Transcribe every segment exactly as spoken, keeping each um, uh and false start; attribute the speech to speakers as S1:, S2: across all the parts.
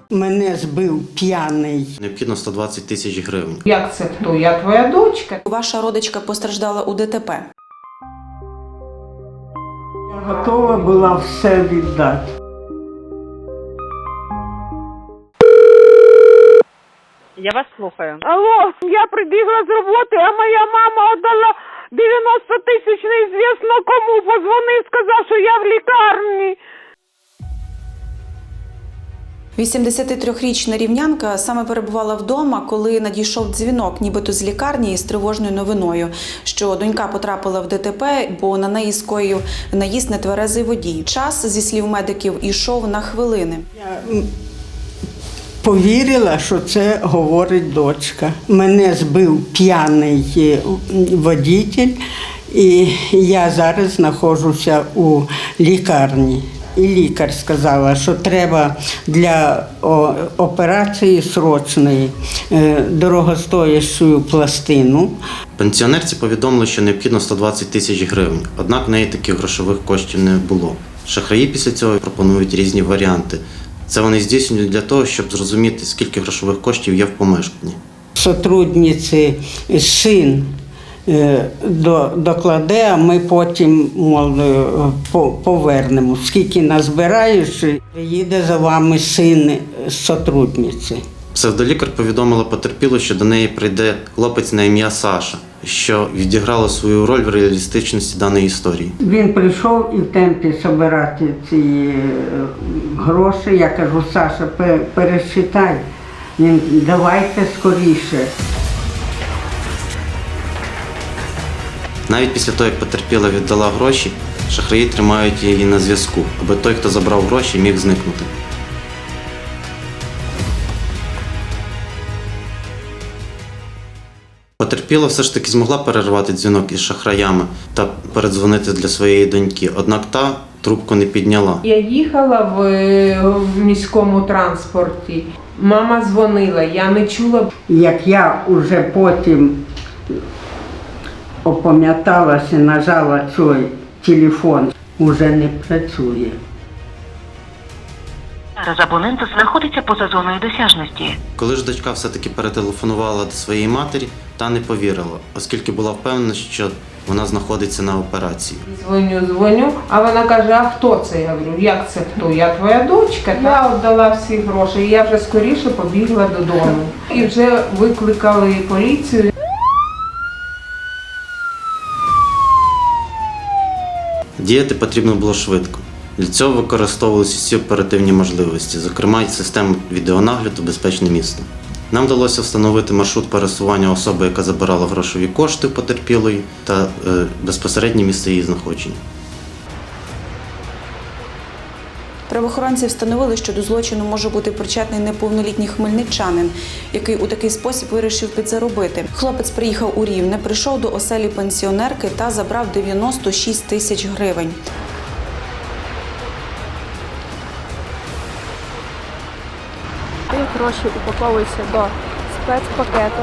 S1: Мене збив п'яний.
S2: Необхідно сто двадцять тисяч гривень.
S3: Як це хто? Я твоя дочка.
S4: Ваша родичка постраждала у ДТП.
S1: Я готова була все віддати.
S5: Я вас слухаю.
S3: Алло, я прибігла з роботи, а моя мама віддала дев'яносто тисяч неізвісно кому. Позвонив, сказав, що я в лікарні.
S4: вісімдесятитрирічна рівнянка саме перебувала вдома, коли надійшов дзвінок, нібито з лікарні, із тривожною новиною, що донька потрапила в ДТП, бо на неї скоїв наїзд нетверезий водій. Час, зі слів медиків, ішов на хвилини.
S1: Я повірила, що це говорить дочка. Мене збив п'яний водитель, і я зараз знаходжуся у лікарні. І лікар сказала, що треба для операції срочної дорогостоящу пластину.
S2: Пенсіонерці повідомили, що необхідно сто двадцять тисяч гривень, однак в неї таких грошових коштів не було. Шахраї після цього пропонують різні варіанти. Це вони здійснюють для того, щоб зрозуміти, скільки грошових коштів є в помешканні.
S1: Сотрудниці син докладе, а ми потім, мол, повернемо. Скільки назбираєш, приїде за вами син сотрудниці.
S2: Псевдолікар повідомила потерпілу, що до неї прийде хлопець на ім'я Саша, що відіграло свою роль в реалістичності даної історії.
S1: Він прийшов і в темпі збирати ці гроші. Я кажу, Саша, пересчитай. Він, давайте скоріше.
S2: Навіть після того, як потерпіла віддала гроші, шахраї тримають її на зв'язку, аби той, хто забрав гроші, міг зникнути. Потерпіла все ж таки змогла перервати дзвінок із шахраями та передзвонити для своєї доньки, однак та трубку не підняла.
S3: Я їхала в, в міському транспорті. Мама дзвонила, я не чула.
S1: Як я вже потім опам'яталася, нажала цей телефон, уже не працює.
S6: Зараз абонент знаходиться поза зоною досяжності.
S2: Коли ж дочка все-таки перетелефонувала до своєї матері, та не повірила, оскільки була впевнена, що вона знаходиться на операції.
S3: Дзвоню, дзвоню, а вона каже, а хто це? Я говорю, як це хто? Я твоя дочка. Я віддала всі гроші, і я вже скоріше побігла додому. І вже викликали поліцію.
S2: Діяти потрібно було швидко. Для цього використовувалися всі оперативні можливості, зокрема й систему відеонагляду «Безпечне місто». Нам вдалося встановити маршрут пересування особи, яка забирала грошові кошти в потерпілої, та е, безпосереднє місце її знаходження.
S4: Правоохоронці встановили, що до злочину може бути причетний неповнолітній хмельничанин, який у такий спосіб вирішив підзаробити. Хлопець приїхав у Рівне, прийшов до оселі пенсіонерки та забрав дев'яносто шість тисяч гривень.
S7: Ці гроші упаковуються до спецпакету.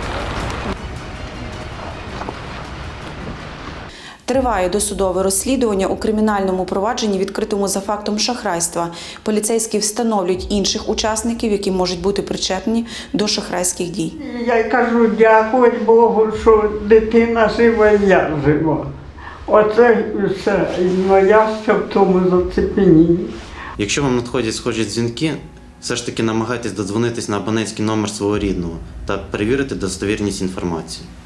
S4: Триває досудове розслідування у кримінальному провадженні, відкритому за фактом шахрайства. Поліцейські встановлюють інших учасників, які можуть бути причетні до шахрайських дій.
S1: Я кажу, дякую Богу, що дитина жива, і я жива. Оце все. Ну, я ще в тому зацепенінні.
S2: Якщо вам надходять схожі дзвінки, все ж таки намагайтесь додзвонитись на абонентський номер свого рідного та перевірити достовірність інформації.